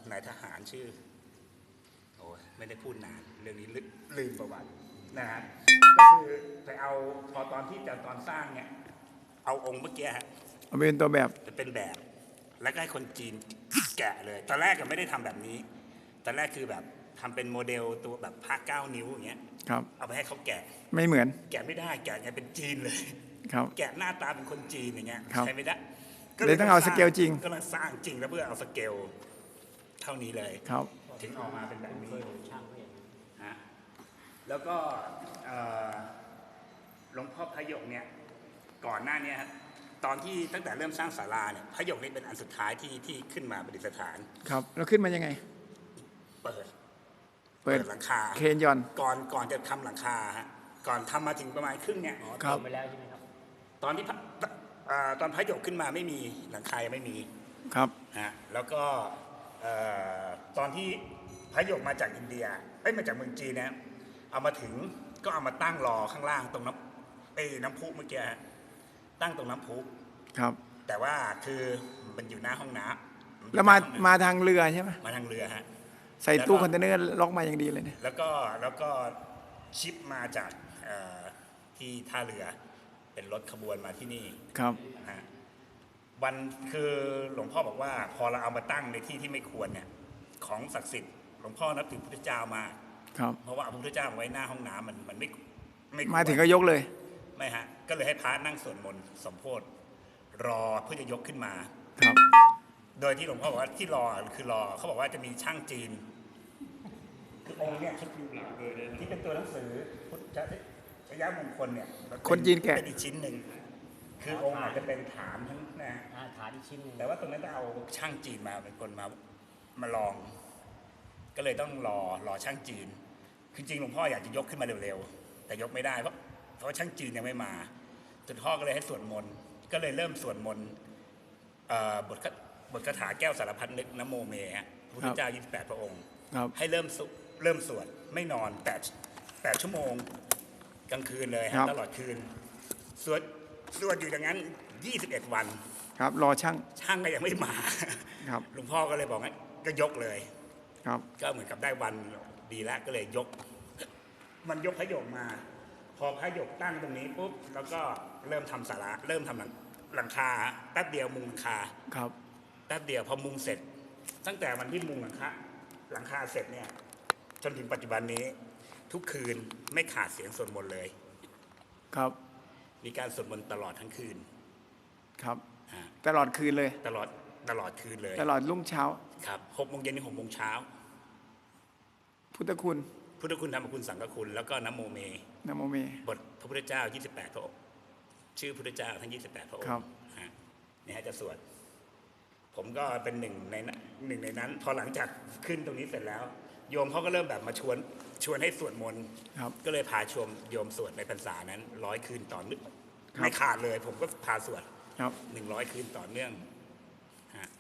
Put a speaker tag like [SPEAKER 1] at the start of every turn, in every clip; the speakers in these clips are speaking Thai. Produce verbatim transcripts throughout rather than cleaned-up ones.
[SPEAKER 1] นายทหารชื่อโอ้ยไม่ได้พูดนานเรื่องนี้ลืลืมประวัตินะฮะก็คือไปเอาพอตอนที่จะตอนสร้างเนี่ยเอาองค์เมื่อกี้ฮะ
[SPEAKER 2] เอาเป็นตัวแบบ
[SPEAKER 1] จะเป็นแบบ แล้วก็ให้คนจีนแกะเลยตอนแรกก็ไม่ได้ทำแบบนี้ตอนแรกคือแบบทำเป็นโมเดลตัวแบบพระเก้านิ้วอย่างเงี้ย
[SPEAKER 2] ครับ
[SPEAKER 1] เอาไปให้เขาแกะ
[SPEAKER 2] ไม่เหมือน
[SPEAKER 1] แกะไม่ได้แกะไงเป็นจีนเลย
[SPEAKER 2] ครับ
[SPEAKER 1] แกะหน้าตาเป็นคนจีนอย่างเงี้ย
[SPEAKER 2] ครับ
[SPEAKER 1] ใช้ไม่ได้
[SPEAKER 2] เลยต้องเอาสเกลจริง
[SPEAKER 1] ก็เลยสร้างจริงแล้วเพื่อเอาสเกลเท่านี้เลย
[SPEAKER 2] ครับ
[SPEAKER 1] ถึงออกมาเป็นแบบนี้ฮะแล้วก็เอ่อหลวงพ่อพระหยกเนี่ยก่อนหน้านี้ฮะตอนที่ตั้งแต่เริ่มสร้างศาลาเนี่ยพระหยกนี่เป็นอันสุดท้ายที่ที่ขึ้นมาประดิษฐาน
[SPEAKER 2] ครับแล้วขึ้นมายังไง
[SPEAKER 1] เปิด
[SPEAKER 2] เปิด
[SPEAKER 1] หลังคา
[SPEAKER 2] เคนยอน
[SPEAKER 1] ก่อนก่อนจะทำหลังคาฮะก่อนทำมาถึงประมาณครึ่งเนี่ย
[SPEAKER 2] ครับ
[SPEAKER 3] ไปแล้วใช่ไหมครับ
[SPEAKER 1] ตอนที่พระเอ่อตอนพระหยกขึ้นมาไม่มีหลังคายังไม่มี
[SPEAKER 2] ครับ
[SPEAKER 1] ฮะแล้วก็เอ่อตอนที่พระหยกมาจากอินเดียเอ้ยมาจากเมืองจีนนะเอามาถึงก็เอามาตั้งรอข้างล่างตรงน้ำเอ้ยน้ำพุเมื่อกี้ฮะตั้งตรงน้ำพุ
[SPEAKER 2] ครับ
[SPEAKER 1] แต่ว่าคือมันอยู่หน้าห้องน้ำ
[SPEAKER 2] แล้วมา
[SPEAKER 1] อยู่หน้ห้องน้
[SPEAKER 2] มาทางเรือใช่ไหม
[SPEAKER 1] ำมาทางเรือฮะ
[SPEAKER 2] ใส่ตู้คอนเทนเนอร์ล็อกมาอย่างดีเลยเนี่ย
[SPEAKER 1] แล้วก็แล้วก็ชิปมาจากเอ่อที่ท่าเรือเป็นรถขบวนมาที่นี่
[SPEAKER 2] ครับ
[SPEAKER 1] ฮะวันคือหลวงพ่อบอกว่าพอเราเอามาตั้งในที่ที่ไม่ควรเนี่ยของศักดิ์สิทธิ์หลวงพ่อนับถือพระพุทธเจ้ามา
[SPEAKER 2] ครับ
[SPEAKER 1] เพราะว่าเอาพระพุทธเจ้าไว้หน้าห้องน้ำมันมันไม่ไม่ควร
[SPEAKER 2] มาถึงก็ยกเลย
[SPEAKER 1] ไม่ฮะก็เลยให้พระนั่งสวดมนต์สมโภชรอเพื่อจะยกขึ้นมา
[SPEAKER 2] ครับ
[SPEAKER 1] โดยที่หลวงพ่อบอกว่าที่รอคือรอเขาบอกว่าจะมีช่างจีนคือองค์เนี่ยที่เป็นตัวหนังสือพุทธชยมงคลเนี่ยมัเป็
[SPEAKER 2] คนจีนแกะ
[SPEAKER 1] เป็นอีกชิ้นหนึ่งคือองค์อาจจะเป็นฐานทั้งนะ
[SPEAKER 3] อาฐานอีกชิ้นหนึ่ง
[SPEAKER 1] แต่ว่าตรงนั้นต้องเอาช่างจีนมาเป็นคนมามาลอง ก็เลยต้องรอรอช่างจีนคือจริงหลวงพ่ออยากจะยกขึ้นมาเร็วๆแต่ยกไม่ได้เพราะเพราะช่างจีนยังไม่มาจนพ่อก็เลยให้สวดมนต์ก็เลยเริ่มสวดมนต์เอ่อบทบทคาถาแก้วสารพัดนึกนะโมเมฮะพระพุทธเจ้ายี่สิบแปดพระองค์
[SPEAKER 2] ครับ
[SPEAKER 1] ให้เริ่มสุเริ่มสวดไม่นอนแปดแปดชั่วโมงกลางคืนเลย
[SPEAKER 2] ครั
[SPEAKER 1] ฮะ
[SPEAKER 2] บ
[SPEAKER 1] ตลอดคืนสวดสวดอยู่อย่างนั้นยี่สิบเอ็ดวัน
[SPEAKER 2] ครับ รอช่าง
[SPEAKER 1] ช่างก็ยังไม่มา
[SPEAKER 2] ครับ
[SPEAKER 1] หลวงพ่อก็เลยบอกงั้นก็ยกเลย
[SPEAKER 2] ครับ
[SPEAKER 1] ก็เหมือนกับได้วันดีแล้วก็เลยยก มันยกพระหยกมา พอพระหยกตั้งตรงนี้ปุ๊บแล้วก็เริ่มทำศาลาเริ่มทำหลังหลังคาแป๊บเดียวมุงหลังคา
[SPEAKER 2] ครับ
[SPEAKER 1] แป๊บเดียวพอมุงเสร็จ ตั้งแต่วันที่มุงหลังคาหลังคาเสร็จเนี่ยจนถึงปัจจุบันนี้ ทุกคืนไม่ขาดเสียงสวดมนต์เลย
[SPEAKER 2] ครับ
[SPEAKER 1] มีการสวดมนต์ตลอดทั้งคืน
[SPEAKER 2] ครับ
[SPEAKER 1] อ่า
[SPEAKER 2] ตลอดคืนเลย
[SPEAKER 1] ตลอดตลอดคืนเลย
[SPEAKER 2] ตลอดรุ่งเช้า
[SPEAKER 1] ครับหกโมงเย็นถึงหกโมงเช้า
[SPEAKER 2] พุทธคุณ
[SPEAKER 1] พุทธคุณธรรมคุณสังฆคุณแล้วก็นะโมเม
[SPEAKER 2] นะโมเม
[SPEAKER 1] บทพระพุทธเจ้า ยี่สิบแปด พระองค์ชื่อพุทธเจ้าทั้ง ยี่สิบแปด พระอง
[SPEAKER 2] ครับ
[SPEAKER 1] ค์ฮะนี่ฮะจะสวด ผมก็เป็นหนึ่งในนั้นหนึ่งในนั้น พอหลังจากขึ้นตรงนี้เสร็จแล้ว โยมเขาก็เริ่มแบบมาชวนชวนให้สวดมนต์
[SPEAKER 2] ครับ
[SPEAKER 1] ก็เลยพาชมโยมสวดในพรรษานั้นร้อยคืนต่อเนื่อง
[SPEAKER 2] ครับ
[SPEAKER 1] ไม่ขาดเลย ผมก็พาสวด
[SPEAKER 2] ครับ
[SPEAKER 1] หนึ่งร้อยคืนต่อเนื่องฮะ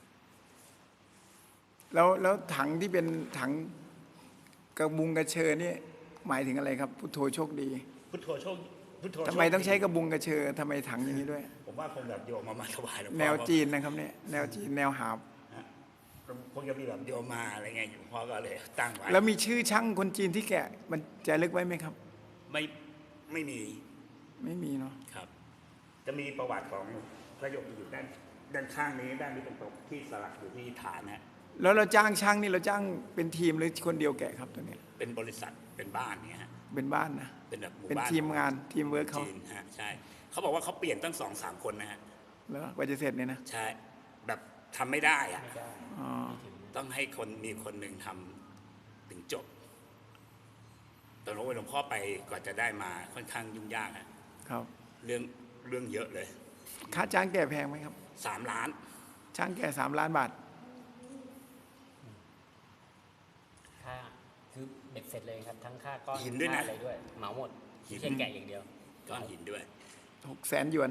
[SPEAKER 2] แล้วแล้วถังที่เป็นถังกระบุงกระเชอนี่หมายถึงอะไรครับ พุทโธโชคดี
[SPEAKER 1] พุทโธโชคพุทโธ
[SPEAKER 2] ทำไม
[SPEAKER 1] โชคดี
[SPEAKER 2] ต้องใช้กระบุงกระเชอทำไมถังอย่างนี้ด้วย
[SPEAKER 1] ผมว่าคงแบบโยมมามาถวายหลวงพ่อ
[SPEAKER 2] แนวจีนนะครับเนี่ย แนวจีน แนวหาบ
[SPEAKER 1] ฮะคงจะมีแบบโยมมาอะไรเงี้ยหลวงพ่อก็เลยตั้งไว้
[SPEAKER 2] แล้วมีชื่อช่างคนจีนที่แกะ มันจะลึกไว้ไหมครับ
[SPEAKER 1] ไม่ไม่มี
[SPEAKER 2] ไม่มีเนาะ
[SPEAKER 1] ครับ จะมีประวัติของพระหยกอยู่ด้านด้านข้างนี้ด้านนี้เป็นตกที่สลักอยู่ที่ฐานนะ
[SPEAKER 2] แล้วเราจ้างช่างนี่เราจ้างเป็นทีมหรือคนเดียวแกะครับตัวเนี้ย
[SPEAKER 1] เป็นบริษัทเป็นบ้านเนี่ยฮะ
[SPEAKER 2] เป็นบ้านนะ
[SPEAKER 1] เป็นแบบหมู่
[SPEAKER 2] เป็น
[SPEAKER 1] บ้าน
[SPEAKER 2] ทีมงานทีมเวิร์กเขา
[SPEAKER 1] จีนฮะใช่เขาบอกว่าเขาเปลี่ยนตั้งสองสามคนนะฮะ
[SPEAKER 2] แล้วกว่าจะเสร็จเนี่ยนะ
[SPEAKER 1] ใช่แบบทำไม่ได้อะ
[SPEAKER 3] ไม่ได้
[SPEAKER 2] อ๋อ
[SPEAKER 1] ต้องให้คนมีคนหนึ่งทำถึงจบตอนนั้นหลวงพ่อไปกว่าจะได้มาค่อนข้างยุ่งยากฮะ
[SPEAKER 2] ครับ
[SPEAKER 1] เรื่องเรื่องเยอะเลย
[SPEAKER 2] ค่าจ้างแกะแพงไหมครับ
[SPEAKER 1] สามล้าน
[SPEAKER 2] ช่างแกะสามล้านบาท
[SPEAKER 3] ค่าคือเบ็ดเสร็จเลยครับ ทั้งค่าก้อน
[SPEAKER 1] หินด้วยนะ
[SPEAKER 3] ค่าอะไรด้วย เหมาหมด
[SPEAKER 1] หิน
[SPEAKER 3] ไม่ใช่แกะอย่างเดียว
[SPEAKER 1] ก้อนหินด้วย
[SPEAKER 2] หกแสนหยวน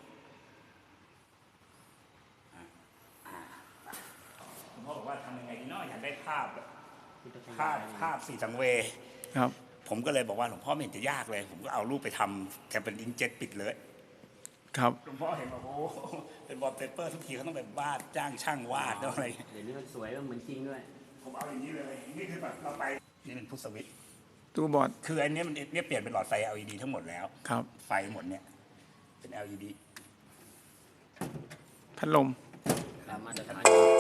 [SPEAKER 1] หลวงพ่อบอกว่าทำยังไงดีเนาะอยากได้ภาพแบบ
[SPEAKER 3] พุทธคุณ
[SPEAKER 1] ภาพภาพสีสังเวย
[SPEAKER 2] ครับ
[SPEAKER 1] ผมก็เลยบอกว่าหลวงพ่อไม่เห็นจะยากเลย ผมก็เอารูปไปทำแทนเป็นอิงเจ็ตปิดเลย
[SPEAKER 2] ครับ
[SPEAKER 1] หลวงพ่อเห็นบอกโอ้โหเป็นวอลเปเปอร์ทุกทีเขาต้องแบบวาดจ้างช่างวาดต้องอะไร
[SPEAKER 3] เดี๋ยวนี้มันสวยมันเหมือนจริงด้วย
[SPEAKER 1] ผมเอาอย่างนี้เลย นี่คือแบบเราไปนี่เป็นพุทสวิตช์
[SPEAKER 2] ตู้บอร์ด
[SPEAKER 1] คืออันเนี้ยมันเนี่ยเปลี่ยนเป็นหลอดไฟ แอล อี ดี ทั้งหมดแล้ว
[SPEAKER 2] ครับ
[SPEAKER 1] ไฟหมดเนี่ยเป็น แอล อี ดี
[SPEAKER 2] พัดลม
[SPEAKER 3] ตามมาตรฐาน